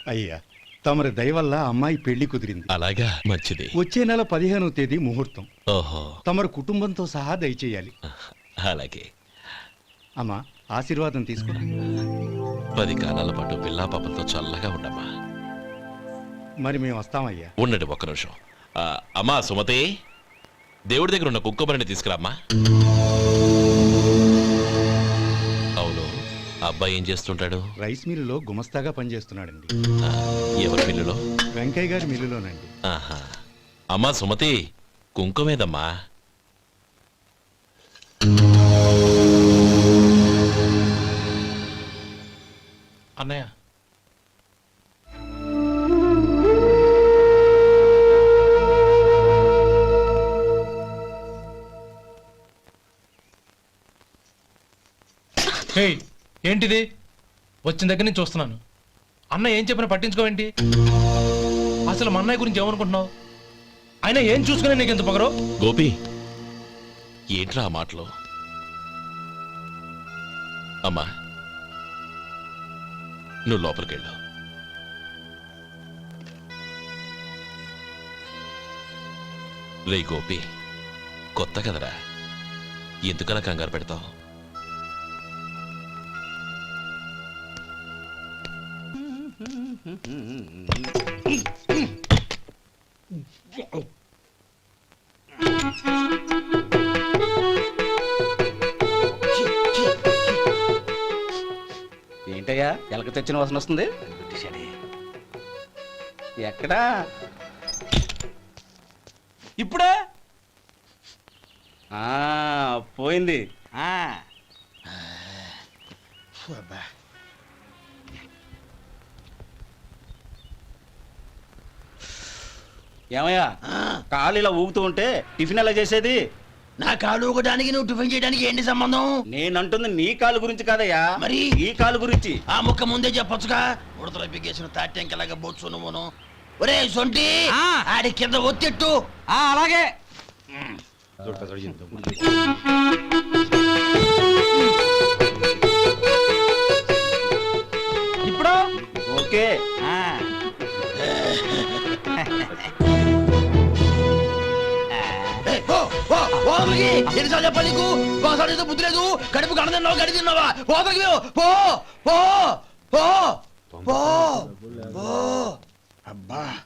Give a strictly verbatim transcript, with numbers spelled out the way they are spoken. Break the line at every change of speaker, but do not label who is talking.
అయ్యా తమరి దయ వల్ల అమ్మాయి పెళ్లి కుదిరింది.
అలాగా, మంచిది.
వచ్చే నెల పదిహేనవ తేదీ ముహూర్తం.
ఓహో,
తమరు కుటుంబంతో సహా దయచేయాలి.
అలాగే.
అమ్మా ఆశీర్వాదం తీసుకో.
పది కాలాల పాటు పిల్లా పాపలతో చల్లగా ఉండమ్మా.
మరి మేము వస్తామయ్యా.
ఉండండి ఒక్క నిమిషం. ఆ, అమ్మా సుమతి, దేవుడి దగ్గర ఉన్న కుక్కబరిని తీసుకురామ్మా. అవును, అబ్బాయి ఏం చేస్తుంటాడు?
రైస్ మిల్లులో గుమస్తాగా పనిచేస్తున్నాడండి.
ఆ, ఎవరి మిల్లులో?
వెంకయ్య గారి మిల్లులోనండి.
ఆహా. అమ్మా సుమతి, కుంకుమేదమ్మా?
అన్నయ్య, హే, ఏంటిది? వచ్చిన దగ్గర నుంచి చూస్తున్నాను. అన్న ఏం చెప్పినా పట్టించుకోవేంటి? అసలు మా అన్నయ్య గురించి ఏమనుకుంటున్నావు? అయినా ఏం చూసుకునే నీకు ఎంత పొగరు?
గోపి, ఏంట్రా ఆ మాటలు? అమ్మా, నువ్వు లోపలికెళ్ళు. రే గోపి, కొత్త కదరా, ఎందుకలా కంగారు పెడతావు?
ఏంటయ్యా ఎలక తెచ్చిన వాసన వస్తుంది? ఎక్కడా?
ఇప్పుడే
ఆ, పోయింది. ఏమయ్యా, కాలు ఇలా ఊగుతూ ఉంటే టిఫిన్ ఎలా చేసేది?
నా కాలు ఊగడానికి నువ్వు టిఫిన్ చేయడానికి ఏంటి సంబంధం?
నేనంటుంది నీ కాలు గురించి కాదయ్యా,
మరి
ఈ కాలు గురించి.
ఆ ముక్క ముందే చెప్పొచ్చుగా. ఉడతలో పిగేసిన తాట్యంకలాగా బొచ్చు నువ్వును. ఒరే సొంటి, ఆడి కింద ఒత్తిట్టు.
అలాగే.
ఇప్పుడు
ఓకే.
ఏయ్, పో, పో, పో అవతలికి. ఎన్నిసార్లు చెప్పాలి నీకు? ఒకసారి ఏదో బుద్ధి లేదు. కడుపు కడ తిన్నావు, గడి తిన్నావా? పో అవతలికి పో, పో, పో, పో, పో, పో. అబ్బా